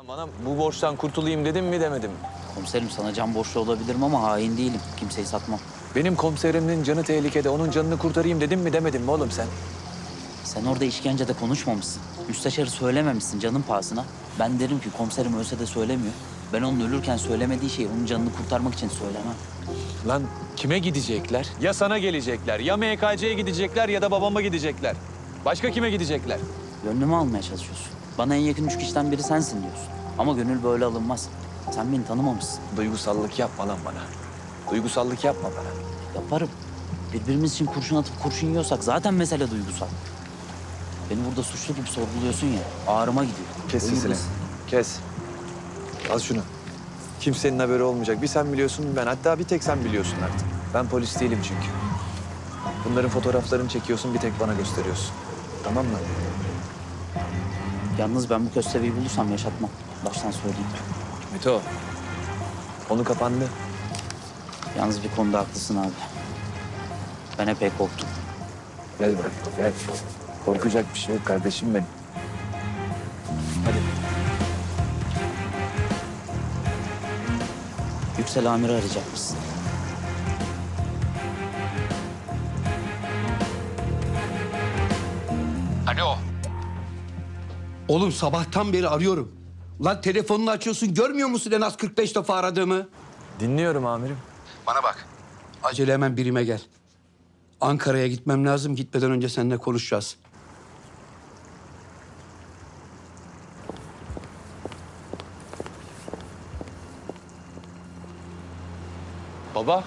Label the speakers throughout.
Speaker 1: Bana bu borçtan kurtulayım dedim mi demedim mi?
Speaker 2: Komiserim sana can borçlu olabilirim ama hain değilim. Kimseyi satmam.
Speaker 1: Benim komiserimin canı tehlikede, onun canını kurtarayım dedim mi demedim mi oğlum sen?
Speaker 2: Sen orada işkencede konuşmamışsın. Müsteşarı söylememişsin canın pahasına. Ben derim ki komiserim ölse de söylemiyor. Ben onun ölürken söylemediği şeyi onun canını kurtarmak için söylemem.
Speaker 1: Lan kime gidecekler? Ya sana gelecekler, ya MKC'ye gidecekler ya da babama gidecekler. Başka kime gidecekler?
Speaker 2: Gönlümü almaya çalışıyorsun. Bana en yakın 3 kişiden biri sensin diyorsun. Ama gönül böyle alınmaz. Sen beni tanımamışsın.
Speaker 1: Duygusallık yapma lan bana. Duygusallık yapma bana.
Speaker 2: Yaparım. Birbirimiz için kurşun atıp kurşun yiyorsak zaten mesele duygusal. Beni burada suçlu gibi sorguluyorsun ya, ağrıma gidiyor.
Speaker 1: Kes
Speaker 2: Ömür
Speaker 1: sesini.
Speaker 2: boyu-
Speaker 1: Kes. Al şunu. Kimsenin haberi olmayacak. Bir sen biliyorsun, ben. Hatta bir tek sen biliyorsun artık. Ben polis değilim çünkü. Bunların fotoğraflarını çekiyorsun, bir tek bana gösteriyorsun. Tamam mı?
Speaker 2: Yalnız ben bu köstebeği bulursam yaşatmam. Baştan söyleyeyim.
Speaker 1: Mito. Konu kapandı.
Speaker 2: Yalnız bir konuda haklısın abi. Ben epey korktum.
Speaker 1: Gel bırak, gel. Korkacak bir şey yok kardeşim benim. Hadi.
Speaker 2: Yüksel Amir'i arayacakmışsın.
Speaker 3: Alo.
Speaker 4: Oğlum sabahtan beri arıyorum. Lan telefonunu açıyorsun, görmüyor musun en az 45 defa aradığımı?
Speaker 1: Dinliyorum amirim.
Speaker 3: Bana bak.
Speaker 4: Acele hemen birime gel. Ankara'ya gitmem lazım. Gitmeden önce seninle konuşacağız.
Speaker 1: Baba.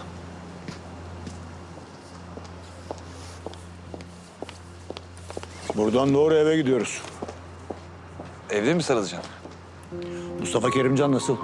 Speaker 5: Buradan doğru eve gidiyoruz.
Speaker 1: Evde mi sarılacaksın?
Speaker 5: Mustafa Kerimcan nasıl?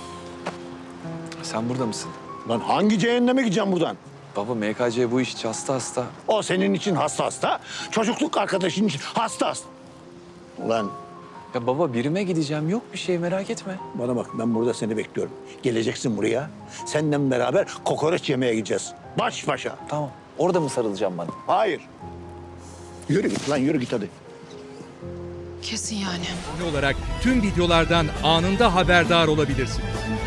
Speaker 1: Sen burada mısın?
Speaker 5: Lan hangi cehenneme gideceğim buradan?
Speaker 1: Baba MKC bu iş hasta hasta.
Speaker 5: O senin için hasta hasta, çocukluk arkadaşın için hasta hasta. Ulan
Speaker 1: Ya baba birime gideceğim, yok bir şey, merak etme.
Speaker 5: bana bak, ben burada seni bekliyorum. Geleceksin buraya, seninle beraber kokoreç yemeye gideceğiz. Baş başa.
Speaker 1: Tamam. Orada mı sarılacağım bana?
Speaker 5: Hayır. Yürü git lan, yürü git hadi.
Speaker 6: Kesin yani.
Speaker 7: olarak tüm videolardan anında haberdar olabilirsiniz.